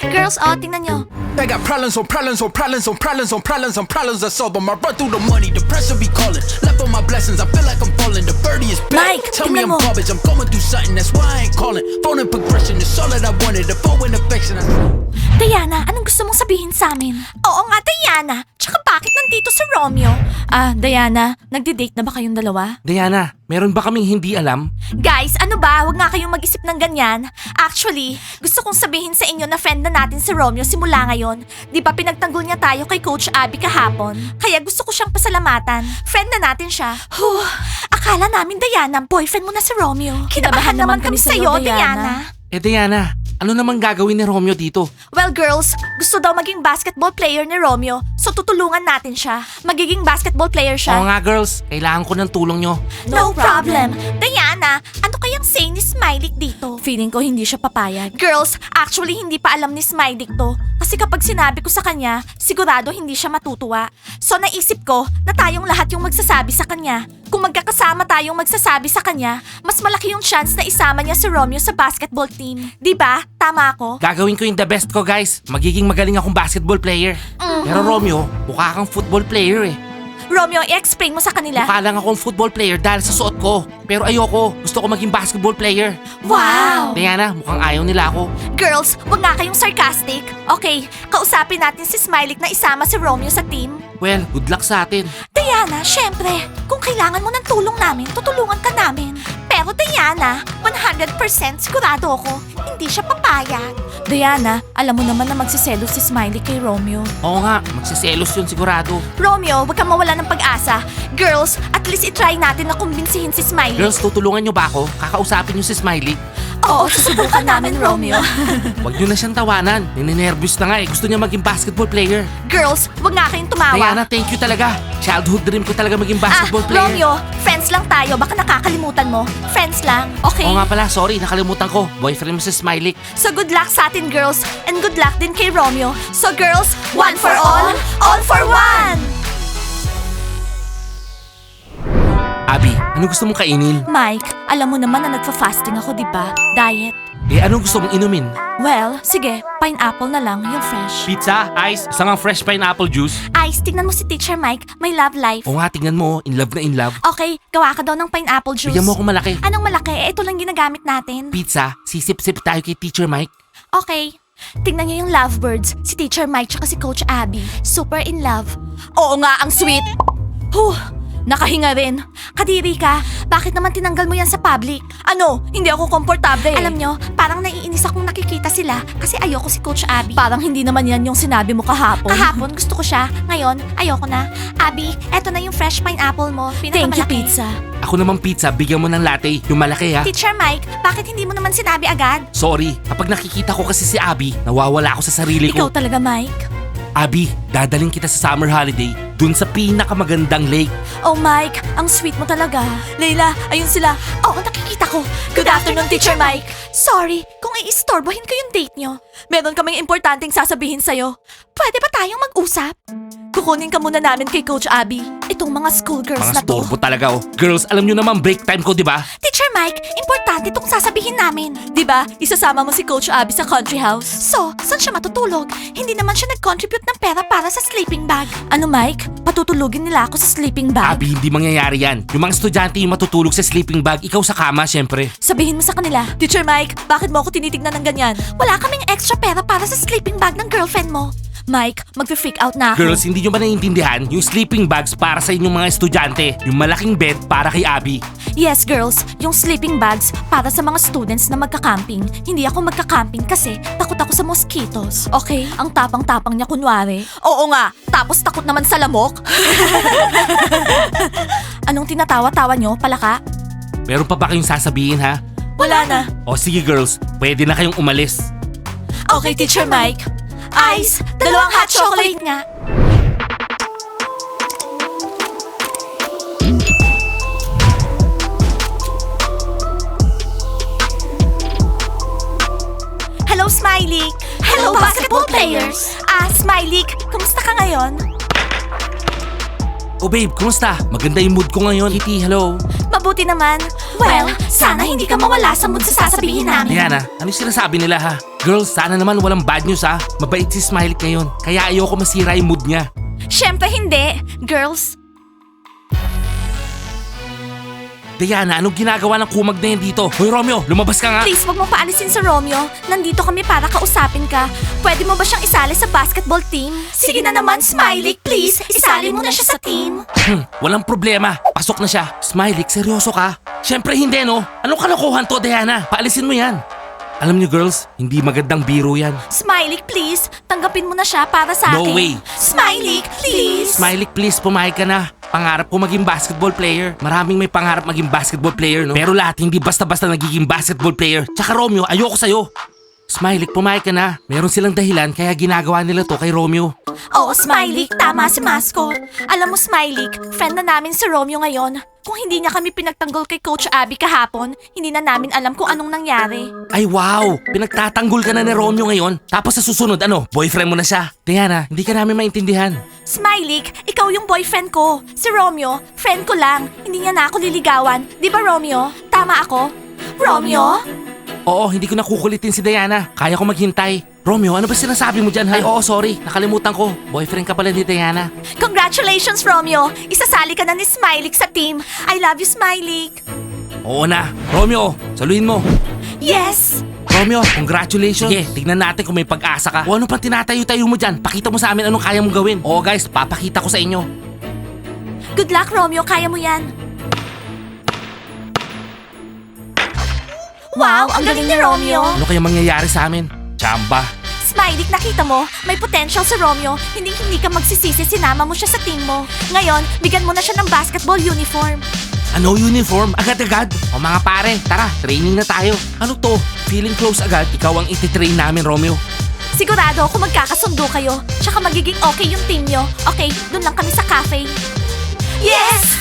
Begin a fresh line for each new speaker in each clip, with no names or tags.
Girls, tingnan nyo.
I got problems on problems on problems on problems on problems on problems I solve them. I run through the money, the pressure be calling. Left on my blessings, I feel like I'm falling. The birdie is back.
Mike,
Tell me
tingnan
I'm
mo.
garbage, I'm going through something, that's why I ain't calling. Phone and progression, it's all that I wanted. The phone and affection.
Diana, anong gusto mong sabihin sa amin? Oo nga, Diana. Tsaka bakit nandito si Romeo? Diana, nagde-date na ba kayong dalawa?
Diana, meron ba kaming hindi alam?
Guys, ano ba? Huwag nga kayong mag-isip ng ganyan. Actually, gusto kong sabihin sa inyo na friend na natin si Romeo simula ngayon. Di ba pinagtanggol niya tayo kay Coach Abby kahapon? Kaya gusto ko siyang pasalamatan. Friend na natin siya. Akala namin, Diana, boyfriend mo na si Romeo. Kinabahan naman kami sa'yo, Diana.
Diana, ano namang gagawin ni Romeo dito?
Well, girls, gusto daw maging basketball player ni Romeo, so tutulungan natin siya. Magiging basketball player siya.
Oo nga girls, kailangan ko ng tulong nyo.
No problem. Diana, ano kayang say ni Smiley dito? Feeling ko hindi siya papayag. Girls, actually hindi pa alam ni Smiley to. Kasi kapag sinabi ko sa kanya, sigurado hindi siya matutuwa. So naisip ko na tayong lahat yung magsasabi sa kanya. Kung magkakasama tayong magsasabi sa kanya, mas malaki yung chance na isama niya si Romeo sa basketball team. Di ba? Tama ako?
Gagawin ko yung the best ko guys. Magiging magaling akong basketball player. Pero Romeo, mukha kang football player eh.
Romeo, i-explain mo sa kanila.
Mukha lang akong football player dahil sa suot ko. Pero ayoko, gusto ko maging basketball player.
Wow!
Diana, mukhang ayaw nila ako.
Girls, wag nga kayong sarcastic. Okay, kausapin natin si Smiley na isama si Romeo sa team.
Well, good luck sa atin.
Diana, syempre, kung kailangan mo ng tulong namin, tutulungan ka namin. Pero Diana, 100% sigurado ako, hindi siya papayag. Diana, alam mo naman na magsiselos si Smiley kay Romeo.
Oo nga, magsiselos yun sigurado.
Romeo, wag kang mawala ng pag-asa. Girls, at least itry natin na kumbinsihin si Smiley.
Girls, tutulungan nyo ba ako? Kakausapin nyo si Smiley?
Oo, susubukan namin, Romeo.
Huwag nyo na siyang tawanan. Ninenervous na nga eh. Gusto niya maging basketball player.
Girls, wag nga kayong tumawa.
Diana, thank you talaga. Childhood dream ko talaga maging basketball player.
Romeo, friends lang tayo. Baka nakakalimutan mo. Friends lang, okay?
Oo nga pala, sorry, nakalimutan ko. Boyfriend mo si Smiley.
So good luck sa atin, girls. And good luck din kay Romeo. So girls, one for all for one!
Abby, ano gusto mong kainin?
Mike, alam mo naman na nagfa-fasting ako, di ba? Diet.
Ano gusto mong inumin?
Well, sige, pineapple na lang, yung fresh.
Pizza, ice, isang ang fresh pineapple juice.
Ice, tingnan mo si Teacher Mike, may love life.
Oo nga, tingnan mo, in love na in love.
Okay, gawa ka daw ng pineapple juice.
Bigyan mo ako malaki.
Anong malaki? Ito lang ginagamit natin.
Pizza, sisip-sip tayo kay Teacher Mike.
Okay. Tingnan niyo yung lovebirds, si Teacher Mike tsaka si Coach Abby. Super in love. Oo nga, ang sweet. Nakahinga rin. Kadiri ka, bakit naman tinanggal mo yan sa public? Ano? Hindi ako komportable. Alam nyo, parang naiinis akong nakikita sila kasi ayoko si Coach Abby. Parang hindi naman yan yung sinabi mo kahapon. Kahapon gusto ko siya, ngayon ayoko na. Abby, eto na yung fresh pineapple mo. Thank you, pizza.
Ako namang pizza, bigyan mo ng latte, yung malaki ha.
Teacher Mike, bakit hindi mo naman sinabi agad?
Sorry, kapag nakikita ko kasi si Abby, nawawala ako sa sarili
Ikaw
ko.
talaga, Mike.
Abby, dadaling kita sa summer holiday dun sa pinakamagandang lake.
Oh, Mike, ang sweet mo talaga. Leila, ayun sila. Oo, nakikita ko. Good afternoon, Teacher Mike. Sorry, kung iistorbohin ko yung date nyo. Meron kaming importanteng sasabihin sa'yo. Pwede ba tayong mag-usap? Kukunin ka muna namin kay Coach Abby. Itong mga schoolgirls
Mga
na to.
storbo talaga oh. Girls, alam nyo naman break time ko, di ba?
Teacher Mike, importante itong sasabihin namin. Di ba? Isasama mo si Coach Abby sa country house. So, saan siya matutulog? Hindi naman siya nag-contribute ng pera para sa sleeping bag. Ano, Mike? Patutulugin nila ako sa sleeping bag?
Abby, hindi mangyayari yan. Yung mga estudyante yung matutulog sa sleeping bag, ikaw sa kama, syempre.
Sabihin mo sa kanila, Teacher Mike, bakit mo ako tinitignan ng ganyan? Wala kaming extra pera para sa sleeping bag ng girlfriend mo. Mike, magfe-freak out na ako.
Girls, hindi nyo ba naiintindihan? Yung sleeping bags para sa inyong mga estudyante. Yung malaking bed para kay Abby.
Yes, girls, yung sleeping bags para sa mga students na magka-camping. Hindi ako magka-camping kasi takot ako sa mosquitoes. Okay? Ang tapang-tapang niya kunwari. Oo nga, tapos takot naman sa lamok. Anong tinatawa-tawa nyo, palaka?
Meron pa ba kayong sasabihin ha?
Wala na.
O sige girls, pwede na kayong umalis.
Okay, Teacher Mike. Ice, dalawang hot chocolate nga. Hello, Smiley. Hello, basketball players. Smiley, kumusta ka ngayon?
Oh babe, kumusta? Maganda yung mood ko ngayon. Kitty, hello.
Mabuti naman. Well, sana hindi ka mawala sa mood sa sasabihin namin.
Diana, ano yung sinasabi nila ha? Girls, sana naman walang bad news ha. Mabait si Smiley ngayon. Kaya ayoko masira yung mood niya.
Siyempre hindi. Girls,
Diana, anong ginagawa ng kumag na yan dito? Hoy Romeo, lumabas ka nga.
please wag mong paalisin sa Romeo. Nandito kami para kausapin ka. Pwede mo ba siyang isali sa basketball team? Sige na naman, Smiley, please. Isali mo na siya sa team.
Walang problema. Pasok na siya. Smiley, seryoso ka? Siyempre hindi no. Anong kalokohan to, Diana? Paalisin mo yan. Alam niyo girls, hindi magandang biro yan.
Smiley, please. Tanggapin mo na siya para sa
No
akin.
way.
Smiley, please.
Smiley, please, pumayag ka na. Pangarap ko maging basketball player. Maraming may pangarap maging basketball player, no? Pero lahat hindi basta-basta nagiging basketball player. Tsaka Romeo, ayoko sa'yo. Smiley, pumayag ka na. Meron silang dahilan kaya ginagawa nila to kay Romeo.
Oo, Smiley. Tama si Mascot. Alam mo, Smiley, friend na namin si Romeo ngayon. Kung hindi niya kami pinagtanggol kay Coach Abby kahapon, hindi na namin alam kung anong nangyari.
Ay wow! Pinagtatanggol ka na ni Romeo ngayon. Tapos sa susunod, boyfriend mo na siya. Diana, hindi ka namin maintindihan.
Smiley, ikaw yung boyfriend ko. Si Romeo, friend ko lang. Hindi niya na ako liligawan. Di ba, Romeo? Tama ako? Romeo?
Oo, hindi ko nakukulitin si Diana. Kaya ko maghintay. Romeo, ano ba sinasabi mo dyan? Ay, oo, sorry. Nakalimutan ko. Boyfriend ka pala ni Diana.
Congratulations, Romeo! Isasali ka na ni Smiley sa team. I love you, Smiley.
Oo na. Romeo, saluhin mo.
Yes!
Romeo, congratulations. Sige, tignan natin kung may pag-asa ka. O ano pang tinatayo-tayo mo dyan? Pakita mo sa amin anong kaya mong gawin. Oo guys, papakita ko sa inyo.
Good luck, Romeo. Kaya mo yan. Wow, ang galing ni Romeo.
Ano kaya mangyayari sa amin? Chamba.
Smiley, nakita mo, may potential si Romeo. Hindi ka magsisisi, sinama mo siya sa team mo. Ngayon, bigyan mo na siya ng basketball uniform.
Ano uniform? Agad-agad? O mga pare, tara, training na tayo. Ano to? Feeling close agad, ikaw ang iti-train namin, Romeo.
Sigurado ako magkakasundo kayo. Tsaka magiging okay yung team nyo. Okay, dun lang kami sa cafe. Yes!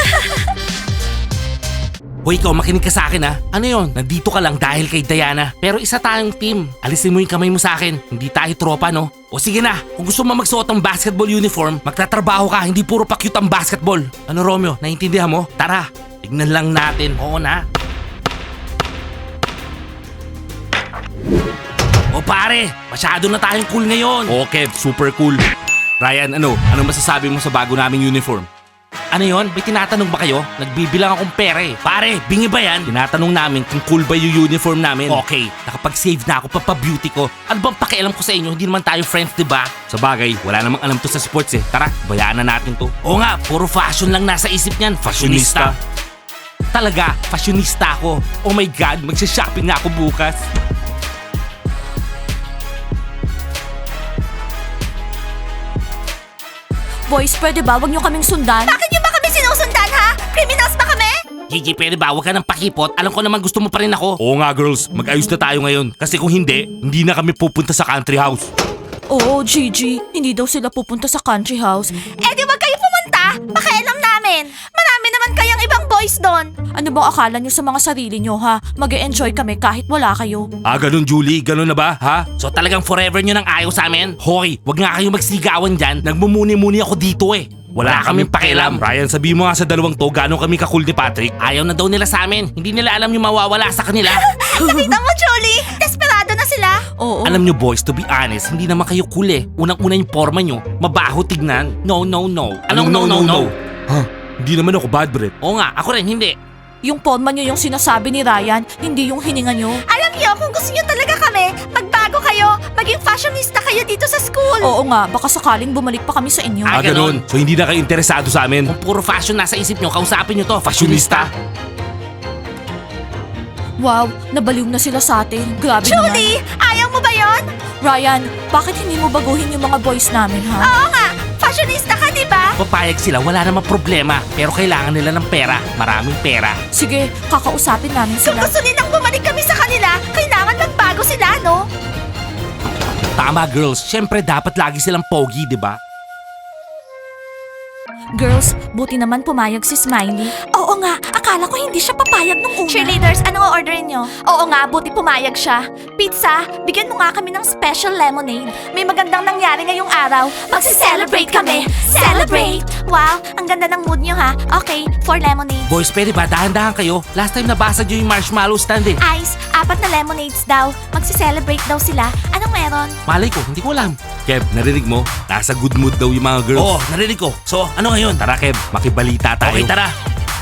Hoy, ikaw, makinig ka sa akin ha. Ano yon? Nandito ka lang dahil kay Diana. Pero isa tayong team. Alisin mo yung kamay mo sa akin. Hindi tayo tropa, no? O sige na, kung gusto mo magsuot ng basketball uniform, magtatrabaho ka, hindi puro pa-cute ang basketball. Ano, Romeo? Naiintindihan mo? Tara, tignan lang natin. Oo na. O pare, masyado na tayong cool ngayon. Okay, super cool. Ryan, ano masasabi mo sa bago naming uniform? Ano yon? May tinatanong ba kayo? Nagbibilang akong pera eh. Pare, bingi ba yan? Tinatanong namin kung cool ba yung uniform namin. Okay, nakapag-save na ako papabeauty ko. Ano bang pakialam ko sa inyo? Hindi naman tayo friends, diba? Sa bagay, wala namang alam to sa sports eh. Tara, bayaan na natin to. Oo nga, puro fashion lang nasa isip niyan. Fashionista. Talaga, fashionista ako. Oh my God, magsha-shopping na ako bukas.
Boys, pwede ba? Huwag nyo kaming sundan. Bakit nyo ba kami sinusundan, ha? Criminals ba kami?
Gigi, pwede ba? Huwag ka ng pakipot. Alam ko naman gusto mo pa rin ako. Oo nga, girls. Mag-ayos na tayo ngayon. Kasi kung hindi na kami pupunta sa country house.
Oo, Gigi. Hindi daw sila pupunta sa country house. Eh di wag kayo pumunta. Pakialam namin. Marami naman kayang ibang boys doon. Ano bang akala nyo sa mga sarili nyo, ha? Mag-e-enjoy kami kahit wala kayo.
Ah, ganun Julie? Ganun na ba? Ha? So talagang forever nyo nang ayaw sa amin? Hoy, wag nga kayong magsigawan dyan. Nagmumuni-muni ako dito eh. Wala kaming pakialam. Ryan, sabi mo nga sa dalawang to, gano'ng kami kakul ni Patrick. Ayaw na daw nila sa amin. Hindi nila alam yung mawawala sa kanila.
Nakita mo, Julie? Desperado na sila. Oo.
Alam nyo boys, to be honest, hindi naman kayo cool eh. Unang-una yung forma nyo, mabaho tignan. No. Anong no? Ha? Hindi naman ako bad breath. Oo nga, ako rin hindi.
Yung porma nyo yung sinasabi ni Ryan, hindi yung hininga nyo. Alam nyo, kung gusto nyo talaga kami, magbago kayo, maging fashionista kayo dito sa school. Oo nga, baka sakaling bumalik pa kami sa inyo.
Ah, ganun. So hindi na kayo interesado sa amin? Kung puro fashion nasa isip nyo, kausapin nyo to, fashionista.
Wow, nabaliw na sila sa atin. Grabe naman. Julie, ayaw mo ba yon? Ryan, bakit hindi mo baguhin yung mga boys namin, ha? Oo nga, fashionista ka, di ba?
Papayag sila, wala namang problema. Pero kailangan nila ng pera. Maraming pera.
Sige, kakausapin namin sila. Kung gusto nilang bumalik kami sa kanila, kailangan magbago sila, no?
Tama girls, syempre dapat lagi silang pogi, di ba?
Girls, buti naman pumayag si Smiley. Oo nga, akala ko hindi siya papayag nung una. Cheerleaders, anong orderin nyo? Oo nga, buti pumayag siya. Pizza, bigyan mo nga kami ng special lemonade. May magandang nangyari ngayong araw. Magsi-celebrate kami! Celebrate! Wow, ang ganda ng mood nyo ha. Okay, 4 lemonades.
Boys, pwede ba? Dahan-dahan kayo. Last time nabasag nyo yung marshmallow stand eh.
Ice, 4 na lemonades daw. Magsi-celebrate daw sila. Anong meron?
Malay ko, hindi ko alam. Kev, narinig mo? Nasa good mood daw yung mga girls. Oo, narinig ko. So, ano ngayon? Tara, Kev, makibalita tayo. Okay, tara.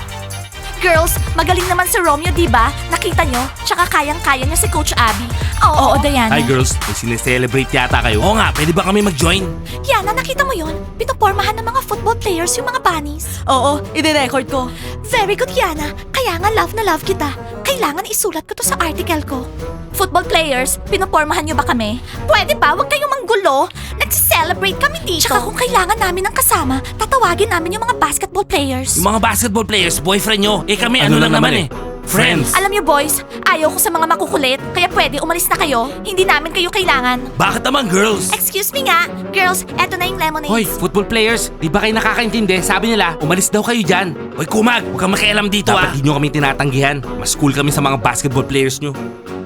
Girls, magaling naman si Romeo, di ba? Nakita nyo? Tsaka kayang-kaya niya si Coach Abby. Oo, Diana.
Hi girls, may sineselebrate yata kayo. Oo nga, pwede ba kami mag-join?
Yana, nakita mo yun? Pinupormahan ng mga football players yung mga bunnies. Oo, i-record ko. Very good, Yana. Kaya nga love na love kita. Kailangan isulat ko to sa article ko. Football players, pinupormahan nyo ba kami? Pwede ba? Huwag kayong manggulo. Nagsi-celebrate kami dito. Tsaka kung kailangan namin ng kasama, tatawagin namin yung mga basketball players.
Yung mga basketball players, boyfriend nyo. Eh kami, ano lang naman eh. Friends.
Alam niyo boys, ayaw ko sa mga makukulit, kaya pwede umalis na kayo. Hindi namin kayo kailangan.
Bakit naman girls?
Excuse me nga, girls, eto na yung lemonades.
Hoy, football players, di ba kayo nakakaintindi? Sabi nila, umalis daw kayo dyan. Hoy, Kumag, huwag kang makialam dito ah. Dapat di nyo kami tinatanggihan. Mas cool kami sa mga basketball players nyo.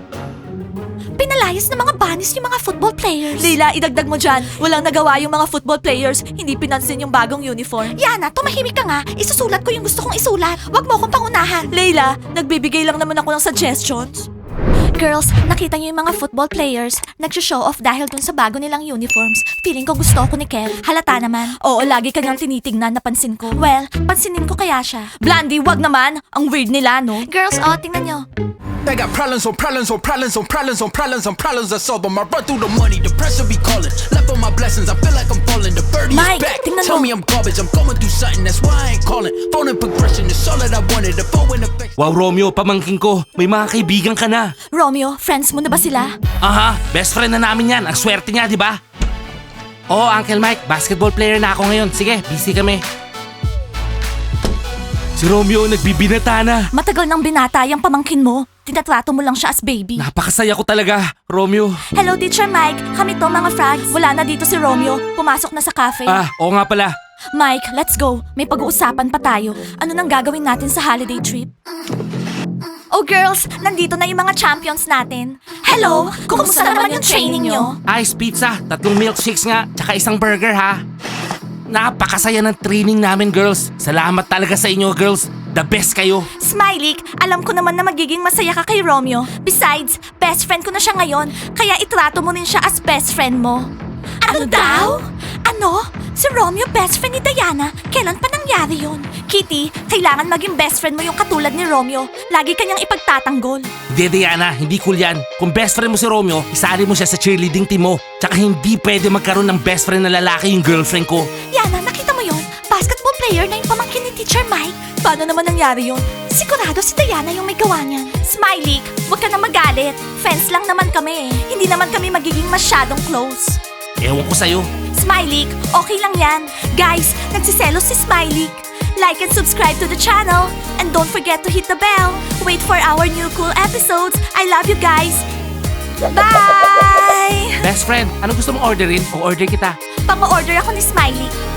Pinalayas ng mga bunnies yung mga football players. Leila, idagdag mo dyan. Walang nagawa yung mga football players. Hindi pinansin yung bagong uniform. Yana, tumahimik ka nga. Isusulat ko yung gusto kong isulat. Huwag mo akong pangunahan. Leila, nagbibigay lang naman ako ng suggestions. Girls, nakita niyo yung mga football players nag-show off dahil dun sa bago nilang uniforms. Feeling ko gusto ko ni Kev. Halata naman. Oo, lagi kanyang tinitingnan, napansin ko. Well, pansinin ko kaya siya. Blandy, wag naman. Ang weird nila, no? Girls, tingnan nyo.
They got problems on problems on problems on problems on problems on problems I solve them. I run through the money, the pressure be calling. Left on my blessings, I feel like I'm falling. The birdie
Mike,
is back.
tingnan
Tell
mo.
me I'm garbage, I'm going through something. That's why I ain't calling. Phone and progression is all that I wanted. The phone and affection.
Wow, Romeo, pamangking ko. May mga kaibigan ka na.
Romeo, friends mo na ba sila?
Aha, best friend na namin yan. Ang swerte niya, di ba? Oo, Uncle Mike, basketball player na ako ngayon. Sige, busy kami. Si Romeo nagbibinata na.
Matagal nang binata yung pamangkin mo. Tinatrato mo lang siya as baby.
Napakasaya ko talaga, Romeo.
Hello, Teacher Mike. Kami to, mga frogs. Wala na dito si Romeo. Pumasok na sa cafe.
Oo nga pala.
Mike, let's go. May pag-uusapan pa tayo. Ano nang gagawin natin sa holiday trip? Oh, girls, nandito na yung mga champions natin. Hello! Kumusta naman yung training nyo?
Ice pizza, 3 milkshakes nga, tsaka isang burger ha. Napakasaya ng training namin, girls. Salamat talaga sa inyo, girls. The best kayo.
Smiley, alam ko naman na magiging masaya ka kay Romeo. Besides, best friend ko na siya ngayon, kaya itrato mo rin siya as best friend mo. Ano daw? Ano? Si Romeo best friend ni Diana? Kailan pa nangyari yun? Kitty, kailangan maging best friend mo yung katulad ni Romeo. Lagi kanyang ipagtatanggol.
Hindi, Diana, hindi cool yan. Kung best friend mo si Romeo, isali mo siya sa cheerleading team mo. Tsaka hindi pwede magkaroon ng best friend na lalaki yung girlfriend ko.
Yana, nakita mo yun? Basketball player na yung pamangkin ni Teacher Mike. Paano naman nangyari yun? Sigurado si Diana yung may gawa niyan. Smiley, huwag ka na magalit. Friends lang naman kami eh. Hindi naman kami magiging masyadong close.
Ewan ko sa'yo.
Smiley, okay lang yan. Guys, nagsiselos si Smiley. Like and subscribe to the channel. And don't forget to hit the bell. Wait for our new cool episodes. I love you guys. Bye!
Best friend, ano gusto mong orderin? O order kita.
Pang-order ako ni Smiley.